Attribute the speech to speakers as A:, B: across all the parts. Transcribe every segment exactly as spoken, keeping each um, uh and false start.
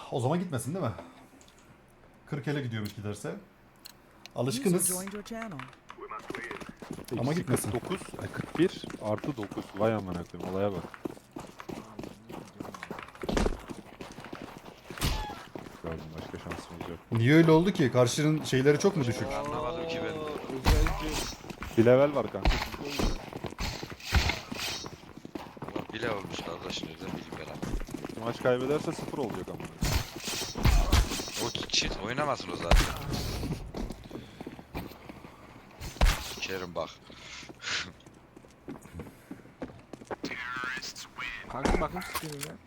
A: O zaman gitmesin değil mi? kırk ele gidiyormuş giderse. Alışkınız. Ama gitmesin.
B: kırk dokuz, ay kırk bir artı dokuz. Vay amına koyayım, olaya bak. Gördüm, başka şansımız yok.
A: Niye öyle oldu ki? Karşının şeyleri çok mu düşük?
C: Anlamadım ki ben.
B: Bir level var kanka.
C: Ulan bile olmuş kardeşim, nereden bileyim ben abi.
B: Bu maç kaybederse sıfır olacak ama.
C: O çift oynamasın o zaten. Kerim bak.
D: Kanka bakın sıkıyorum ya.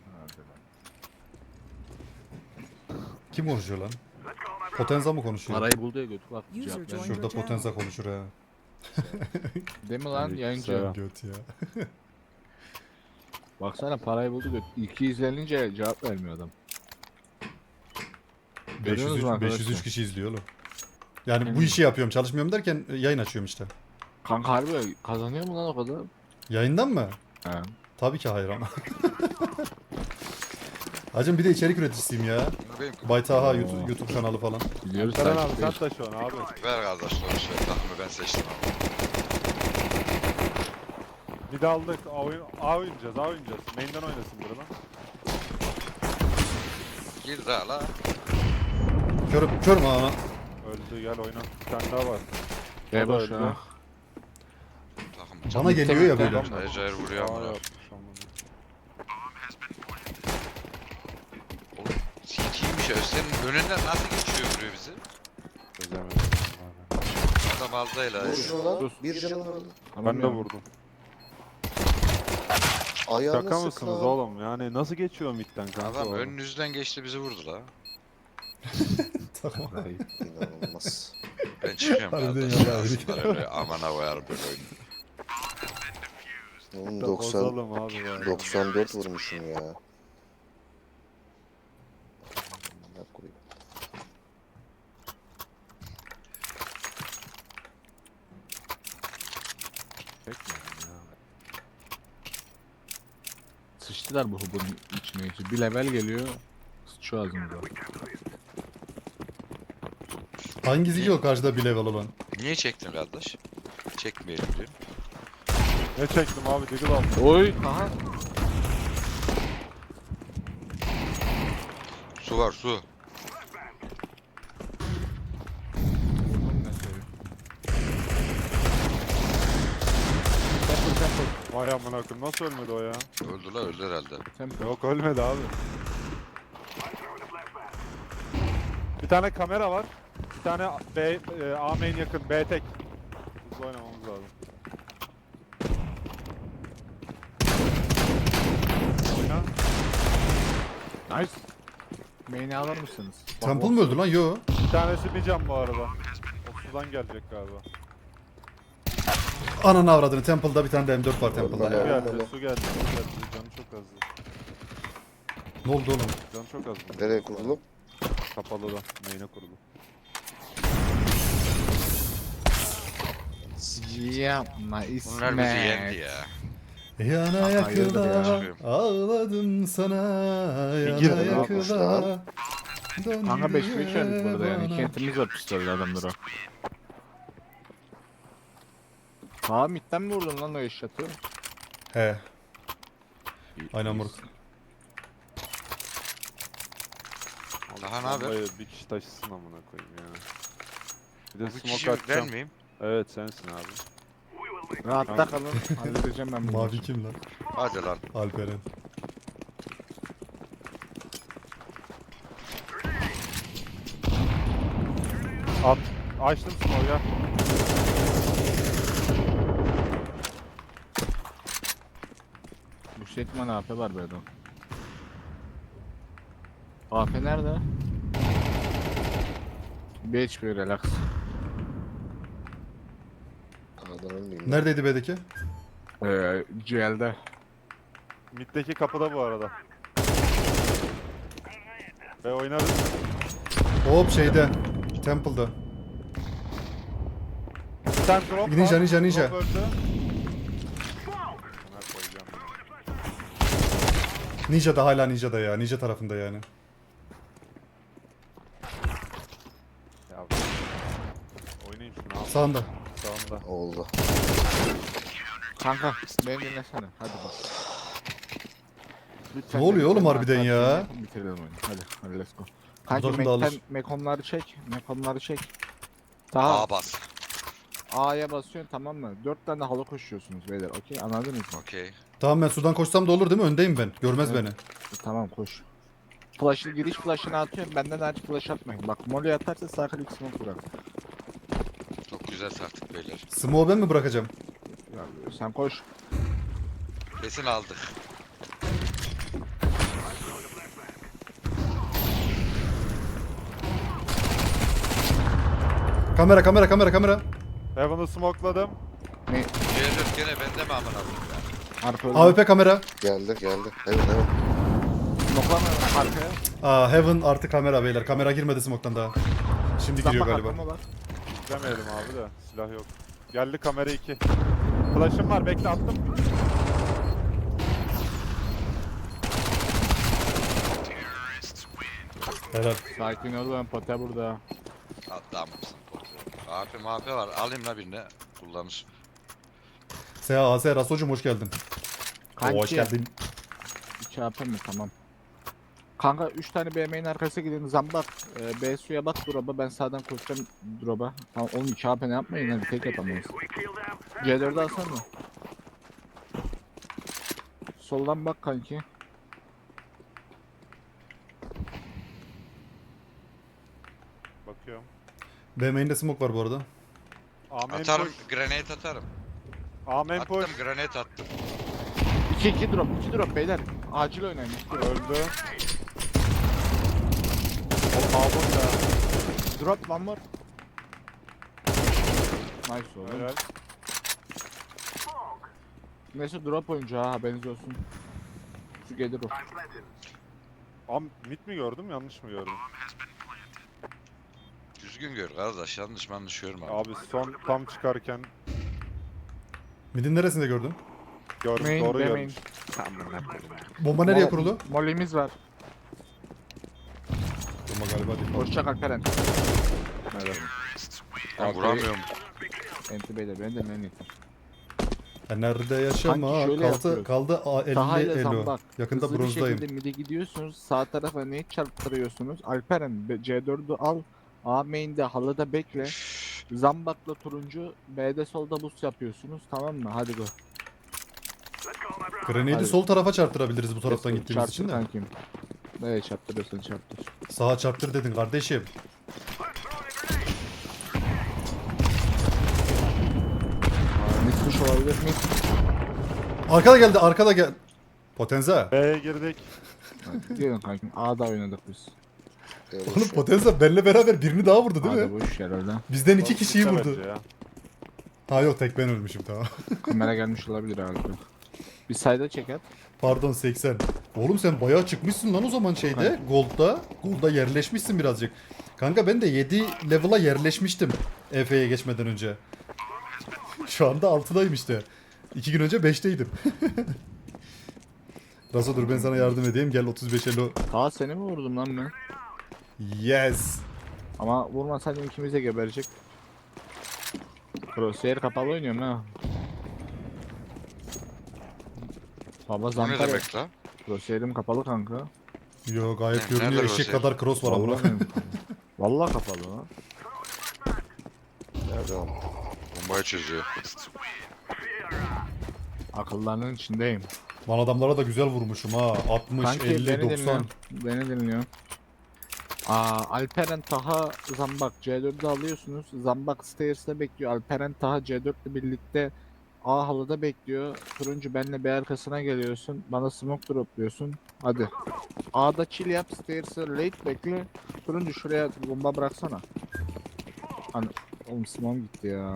A: Kim konuşuyor lan? Potenza mı konuşuyor?
D: Parayı buldu ya götü bak.
E: User
D: Cevap ver.
E: joined.
A: Şurada Potenza konuşur ha.
D: Değil mi lan
B: Aleyküm
D: yayıncı?
B: selam.
A: Göt ya.
D: Baksana parayı buldu götü. iki yüz ellince cevap vermiyor adam. Görüyorsunuz mu
A: beş yüz üç,
D: arkadaşlar?
A: beş yüz üç kişi izliyor oğlum. Yani bu
D: Emin.
A: işi yapıyorum, çalışmıyorum derken yayın açıyorum işte.
D: Kanka harbi kazanıyor mu lan o kadar?
A: Yayından mı?
D: He.
A: Tabii ki hayır ama. Hacım bir de içerik üreticisiyim ya.
C: Benim
A: Baytaha YouTube, YouTube kanalı falan.
D: Biliyoruz
B: Seren abi
D: takipteyiz.
B: sen de şu an abi.
C: ver kardeşler şöyle takımı ben seçtim abi.
B: Bir de aldık. A, oyun, A oynayacağız, A oynayacağız. Main'den oynasın biri lan.
C: Gir daha la.
A: Körüm, körüm ama.
B: Öldü, gel oyna. Bir tane daha var.
D: Gel
B: O da
D: boş
B: öldü.
D: ya.
C: Takım
A: Bana geliyor ya böyle.
D: Tamam.
C: Cayır cayır vuruyor
B: Aa,
C: ama.
B: yapmış amına.
C: Oğlum sikiymiş ya. Senin önünden nasıl geçiyor vuruyor bizi?
B: Çözemedim abi.
C: Adam aldayla.
F: Vur şunu lan.
D: Sus.
F: Bir canı var.
B: Ben de vurdum.
F: Ayağını
B: Şaka
F: sık
B: mısınız
F: lan.
B: oğlum? Yani nasıl geçiyor midden kanka?
C: Adam
B: o?
C: önünüzden geçti bizi vurdu la.
A: Tamam.
F: İnanılmaz.
C: Ben çıkıyorum
A: Harbiden
C: kardeşim.
A: ya,
C: Aslında öyle amana koyarım böyle oyunu.
F: Oğlum
B: Da
F: doksan,
B: bozalım abi ya.
F: doksan dört vurmuşum ya. Ne koyayım?
B: Çekmedim ya.
D: Sıçtılar bu hubun içine içi. Bir level geliyor. Sıçıyor ağzımıza.
A: Hangisi ki o karşıda bir level olan?
C: Niye çektin kardeş? Çekmeyelim diyor.
B: Ne çektim abi? Diggle aldım.
D: Oy. Aha.
C: Su var su.
D: Vurdum ne seviyor. Temple temple.
B: Vay amına koyayım, nasıl ölmedi o ya?
C: Öldü la öldü herhalde.
D: Temple.
B: Yok ölmedi abi. Bir tane kamera var. Bir tane B, e, A main yakın, B tek. Hızlı oynamamız lazım. Oyna.
D: Nice. Main'i alır mısınız? Bak,
A: Temple
D: o-
A: mı öldü lan? Yo.
B: Bir tanesi bir can bu arada. O sudan gelecek galiba.
A: Ananı avradını. Temple'da bir tane de M dört var Temple'da
B: Su
A: ya.
F: Öyle.
B: geldi, su geldi, su geldi. Canı çok azdı.
A: Ne oldu oğlum?
B: Canı çok azdı.
F: Nereye kurulu?
B: Kapalı da, main'e kurulu.
D: Yapma İsmet.
C: Bunlar bizi yendi ya.
A: Yana
D: hayırdır ya?
A: yakıla ağladım sana. Yana
B: girdi lan
A: yakıla.
D: Kanka beş beş
A: dön
D: verdik burada yani.
A: bana.
D: Kentimiz var pistolü adamlara. Sağ midden mi vurdun lan o eşyatı?
A: He. Aynen moruk.
C: Daha ne haber?
B: Vallahi bir kişi taşısın amına koyayım ya. Bir de
C: Bu
B: smoke
C: kişi ben
B: atacağım.
C: miyim?
B: Evet sensin abi.
D: Rahatta kalın. Halledeceğim ben bunu.
A: Mavi kim lan?
C: Hadi lan.
A: Alperen.
B: At. Açtım smoke ya.
D: Bu Setman A P var böyle. A P nerede? bir H P relax.
F: Adam ölmeyeyim.
A: Neredeydi B'deki?
D: Ee, G L'de.
B: Mid'deki kapıda bu arada. Ve oynarız.
A: Hop şeyde. Temple'da.
B: Bir tane drop var.
A: Ninja, ninja, ninja.
B: Drop öldü. Buna koyacağım ya.
A: Ninja da hala Ninja da ya. Ninja tarafında yani.
B: şunu al.
A: Sağında.
B: Sağında.
F: Oldu.
D: Kanka beni dinlesene. Hadi bak. Lütfen
A: Ne oluyor
D: beni
A: oğlum
D: dinle,
A: harbiden ya?
D: arkadaşlar, bitirelim oyunu. Hadi hadi let's go. Kanki
A: takım da alır.
D: Mek'ten Mekonları çek. Mekonları çek. Daha
C: A bas.
D: A'ya basıyorsun tamam mı? Dört tane halı koşuyorsunuz beyler. Okey anladınız mı?
C: Okey.
A: Tamam ben sudan koşsam da olur değil mi? Öndeyim ben. Görmez
D: Evet.
A: beni.
D: E, tamam koş. Flash'ı giriş flash'ını atıyorum. Benden hariç flash atmayın. Bak molly atarsa sağ klik smoke bırak.
C: Çok güzel sarktık beyler.
A: Smoke'u ben mi bırakacağım?
D: Ya, sen koş.
C: Kesin aldık.
A: Kamera kamera kamera kamera.
B: Heaven'ı smokeladım.
D: Ne?
C: C dört gene bende mi amına koyayım ya?
D: Arka öldü.
A: A W P kamera.
F: Geldi geldi. Evet evet.
D: Smoke'lama arkaya.
A: Aa Heaven artı kamera beyler. Kamera girmedi smoke'tan daha. Şimdi
D: Sen
A: giriyor
D: bak
A: galiba.
D: arkama bak.
B: İzlemeyelim abi de. Silah yok. Geldi kamera iki. Flash'ım var bekle attım.
A: Helal.
D: Sakin ol lan pote burada.
C: Adam mısın? A P M A P var. Alayım la birine. Kullanır.
A: S A S Rasocuğum hoş geldin.
D: Kanki.
A: Oo, hoş geldin.
D: iki A P mi tamam. Kanka üç tane B M'nin arkasına gidin zambak. Ee, B suya bak drop'a ben sağdan koşacağım drop'a. Tamam oğlum iki A P ne yapmayın hadi tek yapamayız. C dördü alsana. Soldan bak kanki.
B: Bakıyorum.
A: B main'de smoke var bu arada.
B: Amen
C: Atarım.
B: push.
C: Grenade atarım.
B: Amen
C: Attım
B: push.
C: grenade attım.
D: iki iki drop iki drop beyler. Acil oynayın. iki drop.
B: Öldü. O kabus ya.
D: Drop one more. Nice oğlum.
B: Helal.
D: Neyse drop oyuncu ha haberiniz olsun. Şu gelir o.
B: Am mid mi gördüm yanlış mı gördüm?
C: Düzgün gör kardeş. Yanlış yanlış görme abi.
B: Abi son tam çıkarken
A: Midin neresinde gördün?
B: gördüm
D: Main,
B: doğru
D: B main.
B: görmüş.
A: Bomba nereye
D: Mol-
A: kurulu?
D: Molly'miz var.
A: Bomba galiba değil.
D: Hoşça kal Peren.
B: Evet.
C: Ben vuramıyorum.
D: Enti beyler ben de ben yetim.
A: Ya nerede yaşama?
D: Kanki şöyle
A: Kaldı
D: yapıyoruz.
A: kaldı a,
D: Taha
A: elli
D: ile
A: elo.
D: zambak.
A: Yakında
D: Hızlı
A: bronzdayım.
D: bir şekilde mid'e gidiyorsunuz. Sağ tarafa ne çarptırıyorsunuz? Alperen be- C dördü al. A main'de halıda bekle. Zambakla turuncu. B'de solda boost yapıyorsunuz. Tamam mı? Hadi go.
A: Grenade'i
D: Hadi.
A: sol tarafa çarptırabiliriz bu taraftan
D: Let's go.
A: gittiğimiz
D: Çarptır
A: için de.
D: kankim. Evet çarptırıyorsun çarptır.
A: Sağa çarptır dedin kardeşim.
D: Mid push olabilir mi?
A: Arkada geldi arkada gel. Potenza.
B: B'ye girdik.
D: Gelin kankim. A'da oynadık biz.
F: Eyvallah.
A: Oğlum Potenza benle beraber birini daha vurdu değil
D: A'da
A: mi?
D: boş herhalde.
A: Bizden iki kişiyi
B: Bitti
A: vurdu.
B: bence ya.
A: Ha yok tek ben ölmüşüm tamam.
D: Kamera gelmiş olabilir herhalde. Bir sayda çeker.
A: Pardon seksen. Oğlum sen bayağı çıkmışsın lan o zaman şeyde. Gold'da. Gold'da yerleşmişsin birazcık. Kanka ben de yedi level'a yerleşmiştim. E F'ye geçmeden önce. Şu anda altıdayım işte. iki gün önce beşteydim. Raso dur ben sana yardım edeyim. Gel otuz beş elo.
D: Ta seni mi vurdum lan ben?
A: Yes.
D: Ama vurmasaydım ikimiz de geberecek. Crosshair kapalı oynuyorum ha. Baba
C: Bu ne
D: zampara.
C: demek la?
D: Crosshair'im kapalı kanka.
A: Yo gayet
C: Ne-
A: görünüyor.
C: nerede
A: Eşek
C: Rozier?
A: kadar cross var ama.
D: Vallahi benim kapalı. Vallahi kapalı lan.
F: Devam.
C: Bombayı çözüyor.
D: Akıllarının içindeyim.
A: Lan adamlara da güzel vurmuşum ha. altmış,
D: Kanki
A: elli,
D: beni
A: doksan.
D: dinliyor. Beni dinliyor. Aa, Alperen Taha Zambak C dördü alıyorsunuz. Zambak Stairs'te bekliyor. Alperen Taha C dört ile birlikte A halıda bekliyor. Turuncu benle B arkasına geliyorsun. Bana smoke dropluyorsun. Hadi. A'da chill yap. Stairs'e late bekle. Turuncu şuraya bomba bıraksana. Hani oğlum smoke gitti ya.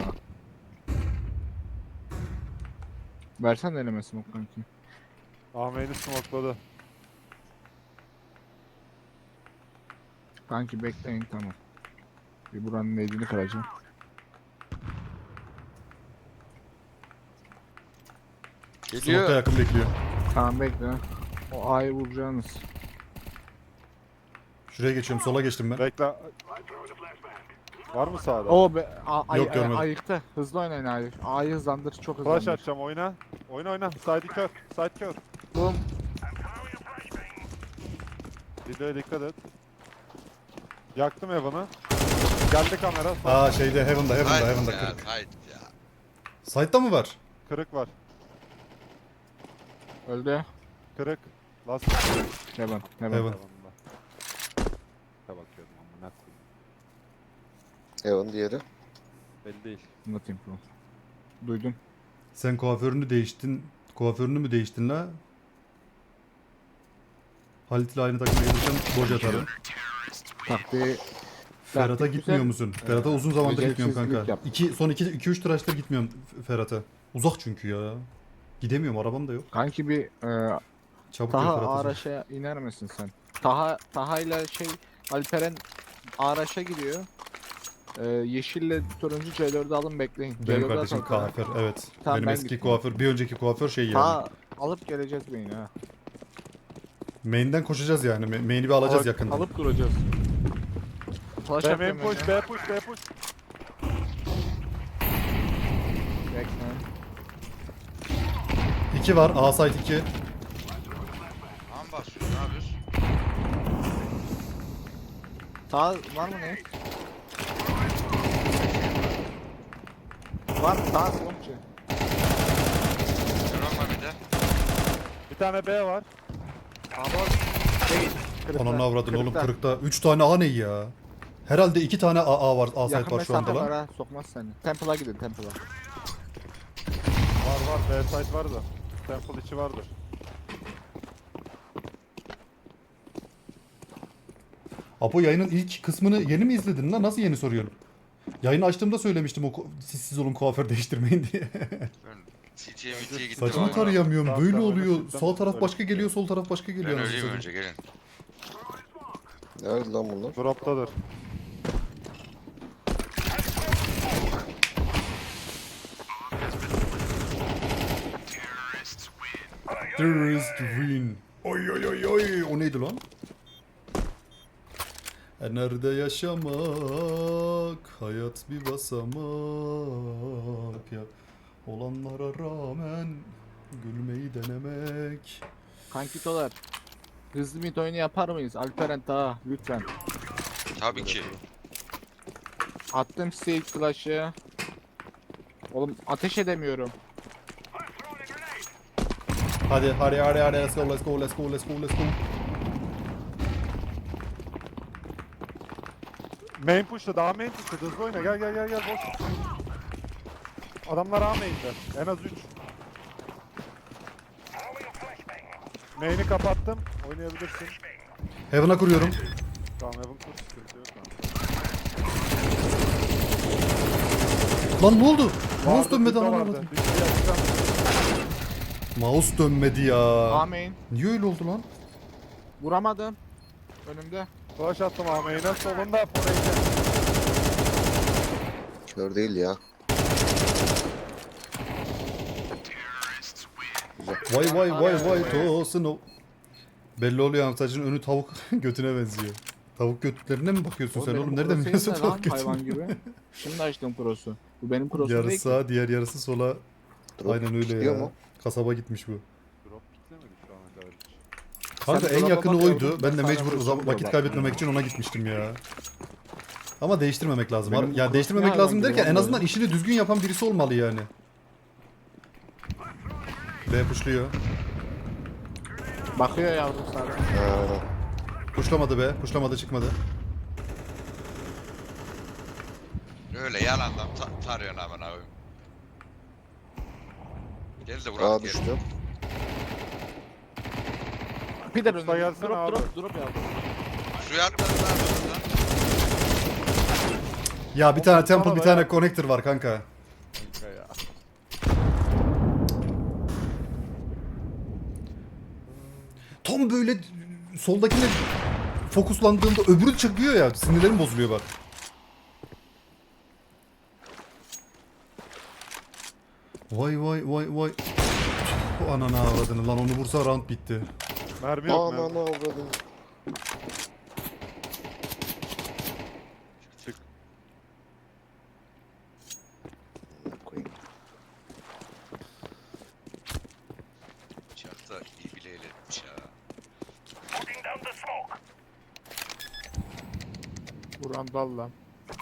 D: Versen elime smoke kanki.
B: Ahmet'i smokeladı.
D: Kanki bekleyin tamam. Bir buranın neydini kıracağım.
A: Smoke'ta
C: Geliyor.
A: yakın bekliyor.
D: Tamam bekle. O A'yı vuracağınız.
A: Şuraya geçiyorum. Sola geçtim ben.
B: Bekle. Var mı sağda?
D: O be, a, ay,
A: Yok,
D: ay,
A: görmedim.
D: ayıktı. Hızlı oynayın A'yı. A'yı hızlandır, çok
B: Flash
D: hızlandır.
B: atacağım oyna. Oyna oyna. Side kör. Side kör.
D: Boom.
B: Videoya dikkat et. Yaktım Evan'ı. Geldi kamera. Sağ
A: Aa şeyde Heaven'da Heaven'da
C: Haydi
A: Heaven'da
C: ya,
A: kırık.
C: haydi ya.
A: Side'da mı var?
B: kırık var.
D: Öldü.
B: Kırık. Last.
D: Heaven. Heaven.
A: Heaven.
B: Evan'da. Ne bakıyordum ama ne
F: Evan diğeri.
B: belli değil.
D: Nothing bro. Duydum.
A: Sen kuaförünü değiştin. Kuaförünü mü değiştin la? Halit ile aynı takıma gelirsen boş atarım.
D: Taktiği
A: Ferhat'a
D: Taktik
A: gitmiyor
D: güzel.
A: musun? Ferhat'a uzun zamandır gitmiyorum
D: beceriksizlik
A: kanka.
D: yap.
A: İki, son iki iki üç tıraştır gitmiyorum Ferhat'a. Uzak çünkü ya. Gidemiyorum, arabam da yok.
D: kanki bir e,
A: Çabuk gel
D: Taha
A: Ferhat'a.
D: Araş'a iner misin sen? Taha Taha ile şey Alperen Araş'a gidiyor. E, yeşille turuncu C dördü alın bekleyin. C
A: Benim
D: dördü
A: kardeşim
D: atalım.
A: kuaför, evet.
D: Tamam,
A: Benim
D: ben
A: eski
D: gitmiyorum.
A: kuaför, bir önceki kuaför şey yani.
D: Taha alıp geleceğiz beyni ha.
A: Main'den koşacağız yani. Ma- Main'i bir alacağız
D: Alıp-
A: yakında.
D: Alıp duracağız. Flash
B: B main
D: atıyorum
B: push,
D: önüne.
B: B push, B push.
D: Bekle.
A: iki var, A site iki.
C: Aman basıyorsun, ne yapıyorsun?
D: Taha var mı ne? Var Taha komşu.
C: Drone var bir de.
B: Bir tane B var.
D: Ama değil. Kırıkta.
A: Ananı avradın oğlum
D: Kırıkta.
A: kırıkta. üç tane A ne ya? Herhalde iki tane A, A var, A site
D: Yakın
A: var şu anda
D: mesafe var
A: lan.
D: ha, sokmaz seni. Temple'a gidin Temple'a.
B: Var var, B side var da. Temple içi vardır.
A: Apo yayının ilk kısmını yeni mi izledin lan? Nasıl yeni soruyorsun? Yayını açtığımda söylemiştim o ku- siz, siz olun kuaför değiştirmeyin diye.
C: Ben C T'ye M T'ye gittim.
A: Saçımı
C: ama-
A: tarayamıyorum.
B: Tamam,
A: Böyle
B: tamam,
A: oluyor.
B: oynatırsam
A: Sağ taraf
B: öyle.
A: başka geliyor, sol taraf başka
C: Ben
A: geliyor.
C: öleyim
A: anasını
C: önce, gelin.
F: Nerede lan bunlar?
B: Droptadır.
A: Terrorist win. Oy oy oy oy. O neydi lan? E nerede yaşamak? Hayat bir basamak ya. Olanlara rağmen gülmeyi denemek.
D: Kankitolar. Hızlı mid oyunu yapar mıyız? Alperen Taha lütfen.
C: Tabii ki.
D: Attım size ilk flash'ı. Oğlum ateş edemiyorum.
A: Hadi hadi hadi hadi let's go let's go let's go let's go let's go.
B: Main push'ta, daha main push'ta. Hızlı oyna, gel gel gel gel, boş. Adamlar A main'de. En az üç. Main'i kapattım. Oynayabilirsin.
A: Heaven'a kuruyorum.
B: Tamam, Evan kur, sıkıntı yok.
A: Lan ne oldu? Mouse
B: Vardı,
A: dönmedi
B: Dildo
A: anam
B: vardı.
A: avradım.
B: Dildo'yu açacağım.
A: Mouse dönmedi ya.
D: Ameyin.
A: Niye öyle oldu lan?
D: Vuramadım. Önümde.
B: Flash attım A main'e. Solunda Foreign.
F: Kör değil ya.
A: Vay vay vay vay tosun o. Belli oluyor ama saçın önü tavuk götüne benziyor. Tavuk götlerine mi bakıyorsun sen
D: benim
A: oğlum? Nereden
D: cross'um
A: biliyorsun
D: ne lan,
A: tavuk
D: hayvan
A: götünü?
D: gibi. Şimdi açtım cross'u. Bu benim cross'um değil
A: Yarısı
D: ki.
A: sağa diğer yarısı sola.
F: Drop
A: Aynen öyle
F: gidiyor
A: ya.
F: mu?
A: Kasaba gitmiş bu.
B: Drop kitlemedi şu ana kadar hiç.
A: Kanka
D: Sen
A: en
D: dolaba
A: yakını
D: bak
A: oydu.
D: yavrum,
A: Ben de
D: ben sana
A: mecbur
D: böyle
A: uzam-
D: soruyorum
A: vakit
D: bak.
A: kaybetmemek için ona gitmiştim ya. Ama değiştirmemek lazım.
D: Benim
A: ya
D: cross
A: değiştirmemek
D: ne
A: lazım
D: hayvan
A: derken
D: gibi
A: en
D: lan
A: azından
D: böyle?
A: işini düzgün yapan birisi olmalı yani. B puşluyor.
D: Bakıyor yavrum sana.
F: Ha, aynen.
A: Puşlamadı be. Puşlamadı çıkmadı.
C: Öyle yalandan ta tarıyorsun aman abi. Gel de
F: Aa
C: Burak gel.
F: düştü.
D: Bir de
B: Usta
D: önümde.
B: gelsene
D: Drop
B: abi.
D: drop drop yavrum.
C: Suya atmadın lan buradan.
A: Ya bir tane
B: Oğlum,
A: temple
B: bana
A: bir
B: da
A: tane
B: ya.
A: connector var kanka.
B: Kanka ya.
A: Tam böyle soldakine fokuslandığımda öbürü çıkıyor ya. Sinirlerim bozuluyor bak. Vay vay vay vay. Bu ananı avradını lan, onu vursa round bitti.
B: Mermi yok
F: Aman
B: mermi.
F: avradım.
B: Çık.
D: Buran dal lan.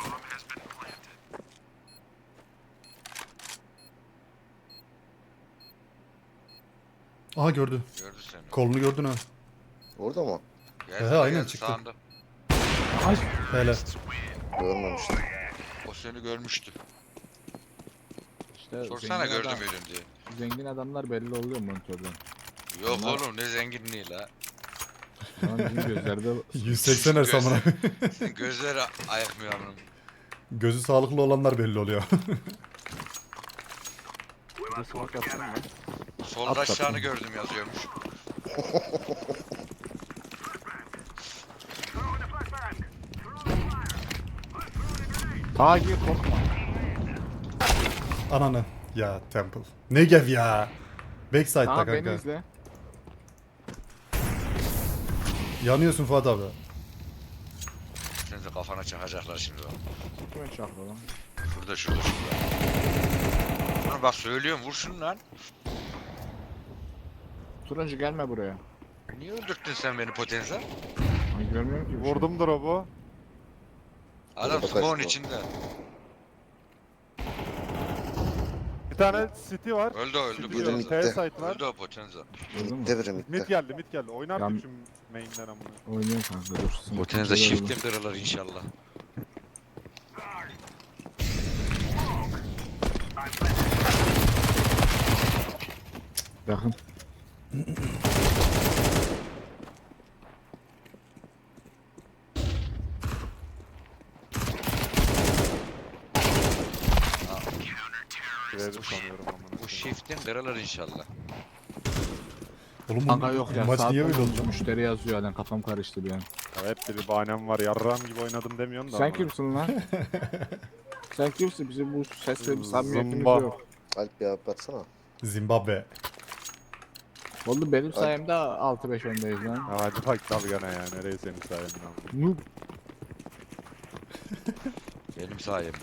A: Aha gördü.
C: Gördü seni.
A: Kolunu gördün ha.
F: Orada mı?
C: Geldi,
A: He, aynen
C: geldi,
A: çıktı.
C: sağında.
A: Hele.
F: Görmemiştim.
C: O seni görmüştü.
D: İşte
C: Sorsana
D: zengin
C: gördü
D: adam-
C: müydün diye.
D: Zengin adamlar belli oluyor monitörden.
C: Yok
D: Bunlar-
C: oğlum ne zenginliği la.
D: Lan bizim gözlerde
A: yüz seksen her samına.
C: Senin gözleri ayakmıyor amınım.
A: Gözü sağlıklı olanlar belli oluyor.
B: Bir de smoke attın mı?
C: Sol
D: At
C: aşağını
D: kapını.
C: gördüm yazıyormuş.
D: ta gir korkma.
A: Ananı. Ya Temple. Ne gev ya. Backside'da
D: Aha beni
A: kanka.
D: izle.
A: Yanıyorsun Fuat abi.
C: Seni de kafana çakacaklar şimdi bak.
D: Kime çaklı lan?
C: Şurada şurada şurada. Dur bak söylüyorum vur şunu lan.
D: Turuncu gelme buraya.
C: Niye öldürttün sen beni potenza?
D: Ay görmüyorum ki. bir şey.
B: Vurdum drop'u.
C: Adam
F: Burada
C: spawn
F: kaçtı o.
C: içinde.
B: Bir tane city var.
C: Öldü o, öldü
B: City
F: Biri
B: yok.
C: potenza.
F: midde.
B: T-site var.
C: Öldü o potenza.
D: Vurdun mu?
F: Mitte biri
B: Mid
F: mitte.
B: geldi mid geldi. Oynardık
D: Yan-
B: şu main'den amına.
D: Oynuyorum kanka dur. Smoke
C: Potenza
D: güzel
C: shift'e
D: oldu.
C: kırılır inşallah.
D: Bakın.
B: Verdi sanıyorum amına.
C: Bu shift'in kırılır inşallah.
A: Oğlum
D: Kanka
A: bu
D: yok ya.
A: maç
D: saat
A: niye böyle
D: olmuş,
A: oldu?
D: Müşteri yazıyor yani kafam karıştı bir an.
B: Ya hep bir bahanem var. Yarram gibi oynadım demiyorsun da.
D: Sen
B: amına.
D: kimsin lan? Sen kimsin? Bizim bu sesle bir samimiyetimiz
B: Zımba.
D: yok.
F: Alp bir abi atsana.
A: Zimbabwe.
D: Oğlum benim sayemde altı beş öndeyiz lan.
B: Ya hadi bak dalgana ya. Nereye senin sayenden amına.
D: Noob.
C: Benim sayemde.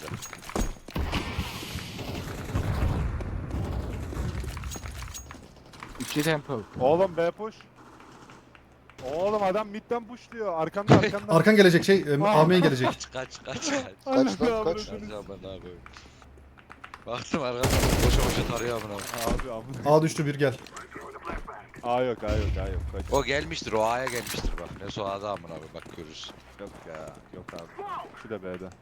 D: İki temple.
B: Oğlum B push. Oğlum adam midden push diyor. Arkanda arkanda.
A: Arkan gelecek şey. e,
B: Aa.
A: A main gelecek.
C: Kaç kaç kaç kaç.
F: Kaç lan,
B: Allah'ım
F: kaç?
B: resini-
C: Kaç aman abi. Baktım arkadan boşa boşa tarıyor amına.
B: Abi amına.
A: A düştü bir gel.
B: Aa yok aa yok aa yok. Kaç.
C: O gelmiştir o A'ya gelmiştir bak. Ne so A'da amına abi bak görürsün.
B: Yok ya. Yok abi. Şu da B'de.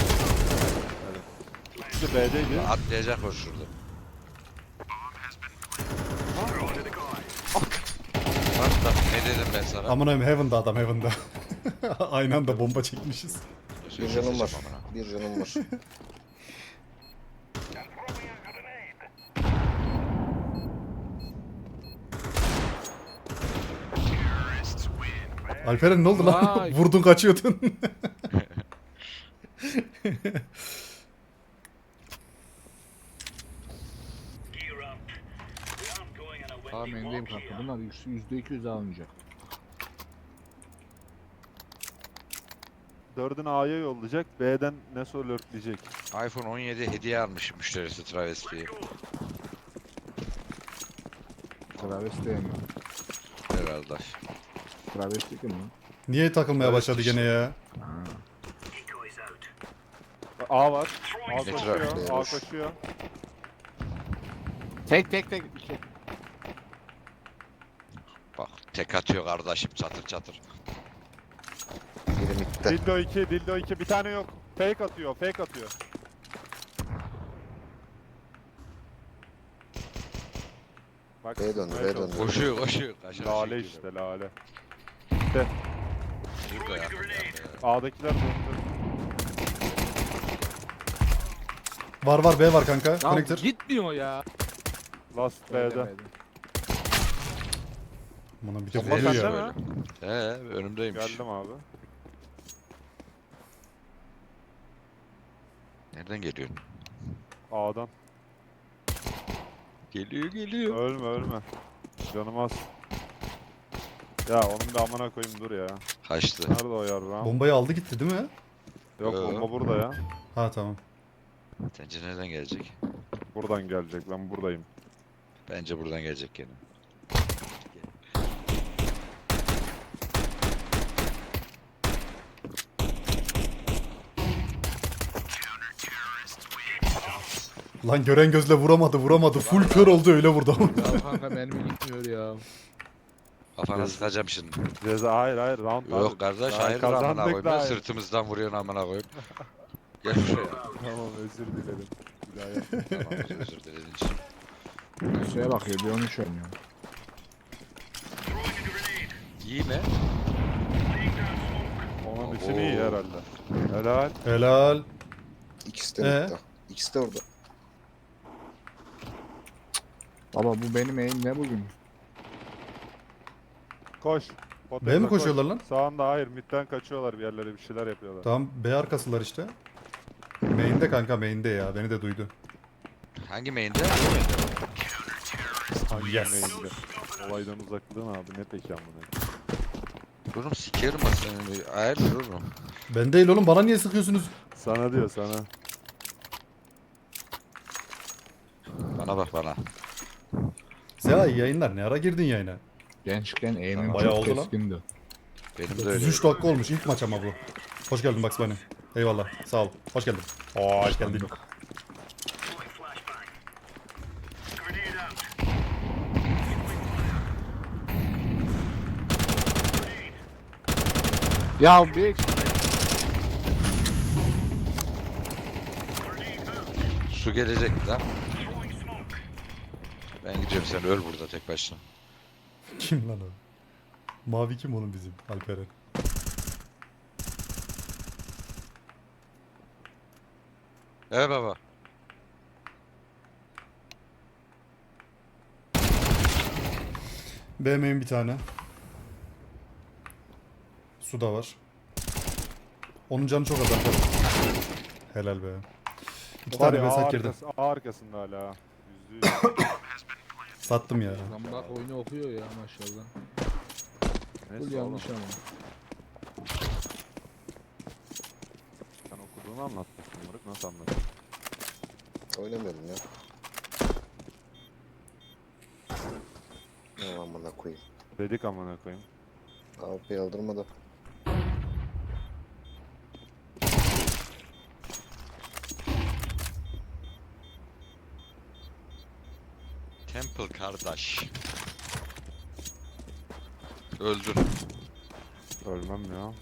B: Evet. Şu da B'deydi.
C: Atlayacak o şurada. Bak bak ne dedim ben sana.
A: Aman abim Heaven'da adam Heaven'da. Aynı anda bomba çekmişiz.
F: Bir canım var.
C: Amına.
F: Bir canım var.
A: Alperen ne oldu lan?
D: Vay.
A: Vurdun kaçıyordun.
D: Aa mendeyim kanka. Bunlar yüzde iki yüz almayacak.
B: Dördünü A'ya yollayacak. B'den Neso lurkleyecek.
C: iPhone on yedi hediye almış müşterisi travestiye.
D: Travesti mi?
C: Herhalde.
D: Travesti kim lan?
A: Niye takılmaya
C: Evet,
A: başladı
C: işte.
A: gene ya?
D: Ha.
B: A var. A
C: Ne
B: koşuyor.
F: tarafta
B: A
F: yavaş?
B: koşuyor.
D: Tek tek tek. İki.
C: Bak tek atıyor kardeşim çatır çatır.
F: Biri mitte.
B: Dildo iki, Dildo iki. Bir tane yok. Fake atıyor, fake atıyor. Bak,
F: B'ye döndü,
B: evet,
F: B'ye
B: oldu.
F: döndü.
C: Koşuyor koşuyor. Kaşar
B: Lale
C: şey
B: işte, lale.
C: gibi. Burada yakın yani.
B: A'dakiler döndü.
A: Var var B var kanka.
D: Ya
A: Connector.
D: gitmiyor ya.
B: Last B'de.
A: Bana bir de
B: Bomba
A: vuruyor
B: sende
A: ya.
B: mi?
C: He önümdeymiş.
B: Geldim abi.
C: Nereden geliyorsun?
B: A'dan.
C: Geliyor geliyor.
B: Ölme, ölme. Canım az. Ya onun bir amına koyayım dur ya.
C: Kaçtı.
B: Nerede o yarram?
A: Bombayı aldı gitti değil mi?
B: Yok
C: Yo.
B: bomba burada ya.
A: Ha tamam.
C: Sence nereden gelecek?
B: Buradan gelecek, ben buradayım.
C: Bence buradan gelecek gene.
A: Lan gören gözle vuramadı vuramadı. Full kör oldu öyle vurdu.
D: Ya kanka mermi gitmiyor ya.
C: Kafana sıkacağım şimdi.
B: Ceza hayır hayır round abi.
C: Yok kardeş
B: Daha
C: hayır amına
B: kazandık
C: koyayım.
B: daha.
C: Ya, sırtımızdan vuruyorsun amına koyayım. Gel şuraya.
B: Tamam özür dilerim. Bir daha yap.
C: Tamam özür dilediğin için.
D: Şuraya bakıyor bir on üç oynuyor.
C: İyi mi?
B: Onun için iyi herhalde. Helal.
A: Helal.
F: İkisi de
A: Ee?
F: midde. İkisi de orada.
D: Baba bu benim eğim ne bugün?
B: Koş.
A: B mi
B: Poteza
A: koşuyorlar
B: koş.
A: lan?
B: Sağında hayır midden kaçıyorlar bir yerlere bir şeyler yapıyorlar.
A: Tamam B arkasılar işte. Main'de kanka main'de ya. Beni de duydu.
C: Hangi main'de?
B: Hangi
A: Yes.
B: main'de? Olaydan uzaklığın abi ne peki amına.
C: Durum sikerim ben seni. Hayırdır oğlum?
A: Ben değil oğlum bana niye sıkıyorsunuz?
B: Sana diyor sana.
C: Bana bak bana.
A: Seha iyi yayınlar. Ne ara girdin yayına?
D: Gençken eğimim
A: Bayağı
D: çok
A: oldu lan.
D: keskindi.
C: Benim de öyle.
A: otuz üç dakika olmuş ilk maç ama bu. Hoş geldin Bugs Bunny. Eyvallah. Sağ ol. Hoş geldin. Hoş geldin.
D: Ya bir eksik.
C: Su gelecek lan. Ben gidiyorum sen öl burada tek başına.
A: Kim lan o? Mavi kim oğlum bizim? Alperen.
C: Evet baba.
A: B main bir tane. Su da var. Onun canı çok az Alperen. Helal be. İki
B: Var
A: tane
B: ya
A: B
B: A,
A: site girdi.
B: arkası, A arkasında hala. Yüzde yüz.
A: Sattım ya.
D: Zambak oyunu okuyor ya maşallah. Bu
B: Neyse oğlum.
D: yanlış ama.
B: Sen okuduğunu anlatmışsın Murat. Nasıl anladın?
F: Oynamıyorum ya. Ne amına koyayım.
B: Dedik amına koyayım.
F: A W P aldırmadı.
C: Temple kardeş. Öldün.
B: Ölmem ya.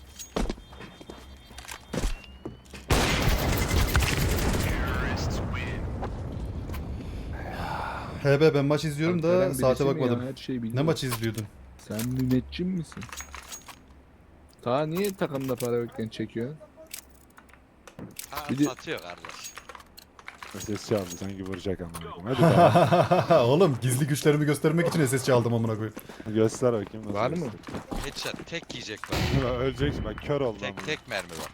A: H B ben maç izliyorum da
D: Alperen
A: saate
D: birisi mi
A: bakmadım.
D: ya? Her şeyi
A: Ne
D: biliyor.
A: maçı izliyordun?
D: Sen müneccim misin? Ta niye takımda para yokken çekiyor?
C: Ha
D: Bir de-
C: satıyor kardeş.
B: Ses çaldı sanki vuracak amına koyayım. Hadi daha.
A: Oğlum gizli güçlerimi göstermek için S S çaldım amına koyayım.
B: Göster bakayım nasıl.
D: Var mı?
C: Headshot tek yiyecek bak.
B: göster. Öleceksin ben kör oldum.
C: Tek tek mermi var.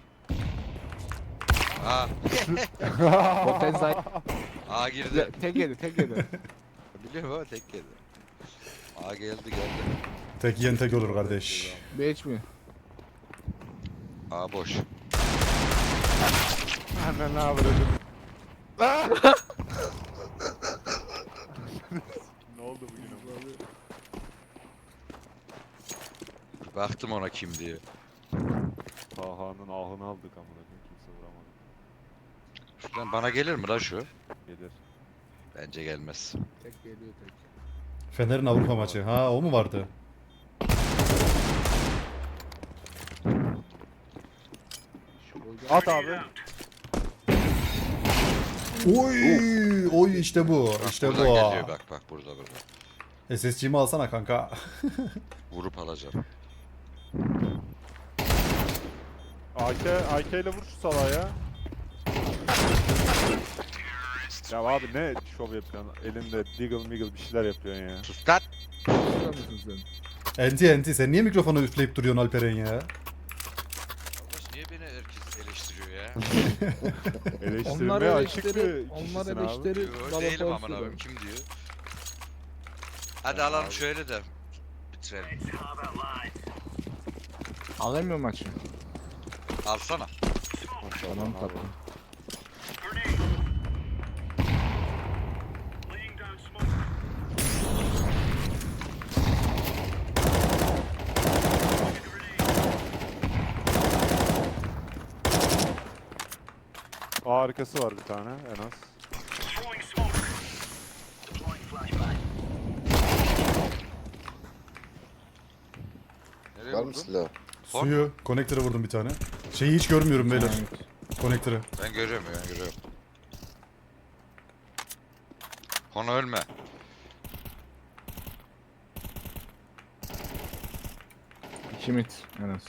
C: Aa,
D: Potenzay
C: A girdi.
D: tek yedi tek yedi.
C: Biliyorum ama tek yedi. A geldi geldi.
A: Tek yiyen tek olur kardeş.
D: Beş mi?
C: A boş.
B: Anne ne yapıyordun? Ne oldu bugün abi?
C: Baktım ona kim diye.
B: Taha'nın ahını aldık amına koyayım kimse vuramadı.
C: Şuradan bana gelir mi lan şu?
B: Gelir.
C: Bence gelmez.
D: Tek geliyor tek.
A: Fener'in Avrupa maçı. Ha o mu vardı?
D: Şu oyda-
B: At abi.
A: Oy, oy işte bu.
C: Bak
A: İşte
C: buradan
A: bu.
C: geliyor bak bak burada burada.
A: S S C'mi alsana kanka.
C: Vurup alacağım.
B: A K, A K ile vur şu salağa ya. Ya abi ne şov yapıyorsun? Elinde diggle miggle bir şeyler yapıyorsun ya.
C: Sus lan!
D: Burada mısın sen?
A: Enti enti sen niye mikrofonu üfleyip duruyorsun Alperen ya?
C: Arkadaş niye beni herkes eleştiriyor ya?
B: Eleştirmeye
D: Onlar
B: açık bir
D: eleştiri, onlar
B: kişisin abi.
D: eleştiri.
C: Yo,
D: bana
C: değilim
D: koysun
C: aman
D: da.
C: abim kim diyor? Hadi alalım şöyle de bitirelim.
D: Alayım mı maçı?
C: Alsana.
D: Tamam tatlım.
B: A arkası var bir tane en az.
F: Var mı
C: vurdun?
F: silah?
A: Suyu, konektöre vurdum bir tane. Şeyi hiç görmüyorum beyler. Konektörü.
C: Ben görüyorum ben görüyorum. Konu ölme.
D: İki mit en az.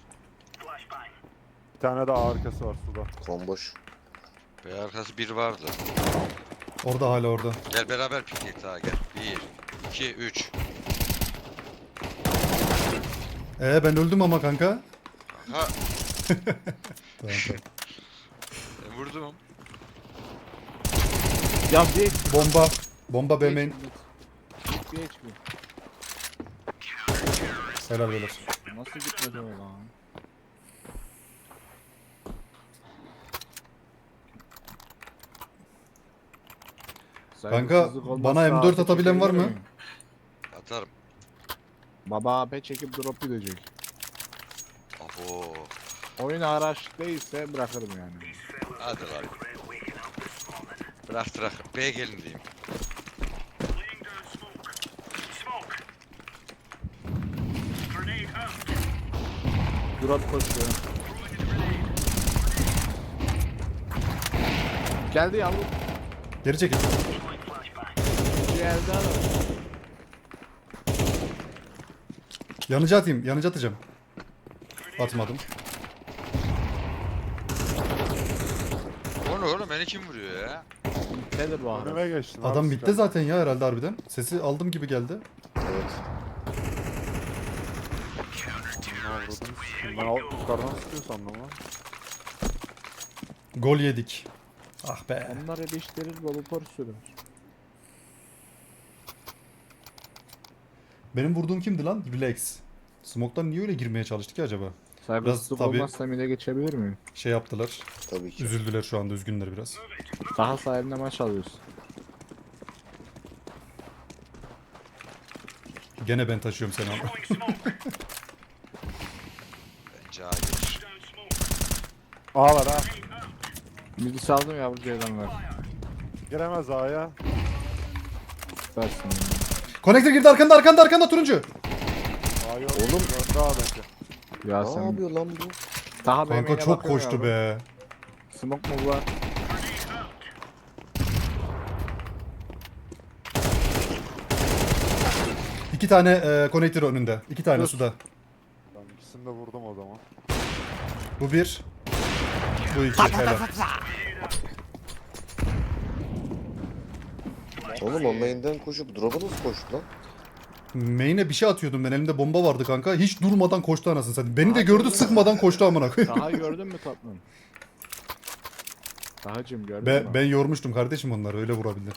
B: Bir tane daha arkası var suda.
F: Komboş.
C: B arkası bir vardı.
A: Orada hala orada.
C: Gel beraber piknik daha gel. Bir, iki, üç.
A: Ee ben öldüm ama kanka.
C: Ha,
A: Tamam, tamam.
C: ben vurdum.
D: Ya bir
A: Bomba. Bomba B main.
D: Bir H P.
A: Helal beyler.
D: Nasıl gitmedi o lan?
A: Kanka,
D: Saygısızlık olmazsa
A: bana M dört
D: A P
A: atabilen var
D: çekebilir
A: mı?
D: miyim?
C: Atarım.
D: Baba A P çekip drop gidecek.
C: Abo.
D: Oyun araç değilse bırakırım yani.
C: Hadi lan. Bırak bırak. B gelin diyeyim.
D: Drop koşuyor. Geldi yavrum.
A: Geri çekil.
D: Geldi adam.
A: Yanıcı atayım. Yanıcı atacağım. Atmadım.
C: O ne oğlum beni kim vuruyor ya?
D: Nedir bu adam?
B: Önüme geçtin.
A: Adam
B: abi,
A: bitti
B: sıkar.
A: zaten ya herhalde harbiden. Sesi aldım gibi geldi.
F: Evet.
B: Ne avradını sikeyim. Ben alt yukarıdan sıkıyor sandım lan.
A: Gol yedik. Ah be.
D: Onlar eleştirir volupor sürür.
A: Benim vurduğum kimdi lan? Relax. Smoke'tan niye öyle girmeye çalıştı ki acaba?
D: Saygısızlık
A: tabii-
D: olmazsa mide geçebilir miyim?
A: Şey yaptılar.
F: Tabii ki.
A: Üzüldüler şu anda. Üzgünler biraz.
D: Daha sahibine maç alıyorsun.
A: Gene ben taşıyorum seni ama.
C: Bence A gelir.
B: A var ha.
D: Midi saldım yavru ceylanlar.
B: Giremez A'ya.
D: Süpersin.
A: Konektör girdi arkanda arkanda arkanda turuncu.
B: A yok.
F: Oğlum.
B: Önde A'daki.
D: Ya
F: Ne
D: sen
F: yapıyor lan bu?
D: daha
A: Kanka
D: bebeğine
A: çok
D: bakıyorum
A: koştu
D: yavrum.
A: be.
D: Smoke mu var?
A: İki tane e, konektör önünde. İki tane
D: Dur.
A: suda.
B: Ben ikisini de vurdum o zaman.
A: Bu bir. Bu iki. Helal.
F: Oğlum o main'den koşup drop'a nasıl koştu lan?
A: Main'e bir şey atıyordum ben. Elimde bomba vardı kanka. Hiç durmadan koştu anasını satayım. Beni de
D: Aa,
A: gördü
D: gördün mü?
A: sıkmadan koştu amına koyayım.
D: Daha gördün mü tatlım? Dahacım gördün
A: Ben,
D: mü?
A: ben yormuştum kardeşim onları. Öyle vurabildim.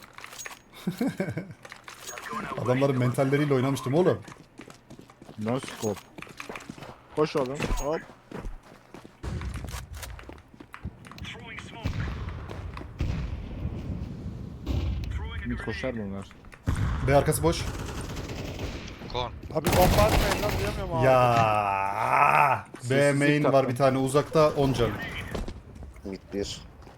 A: Adamların mentalleriyle oynamıştım oğlum.
D: No scope. Koş oğlum. Hop. Mid koşar bunlar.
A: B arkası boş.
C: Kon.
B: Abi bomba atmayın lan diyemiyorum abi.
A: Ya. B
D: Sessizlik
A: main var
D: tatlım.
A: bir tane uzakta on can.
F: Mid bir.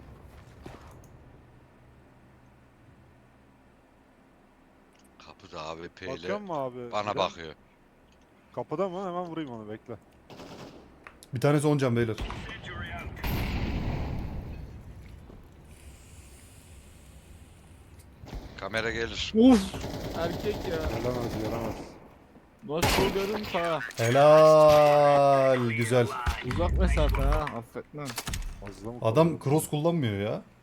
C: Kapıda A W P
B: Bakıyor
C: ile
B: mu abi?
C: bana
B: Bir de?
C: bakıyor.
B: Kapıda mı? Hemen vurayım onu bekle.
A: Bir tanesi on can beyler.
C: Kamera gelir.
D: Uf! Erkek ya.
B: Gelemez gelemez.
D: Nasıl görün sağa.
A: Helal. Güzel.
D: Uzak mesafe ha. Affetmem.
B: Fazla mı
A: Adam
B: kaldı?
A: cross kullanmıyor ya.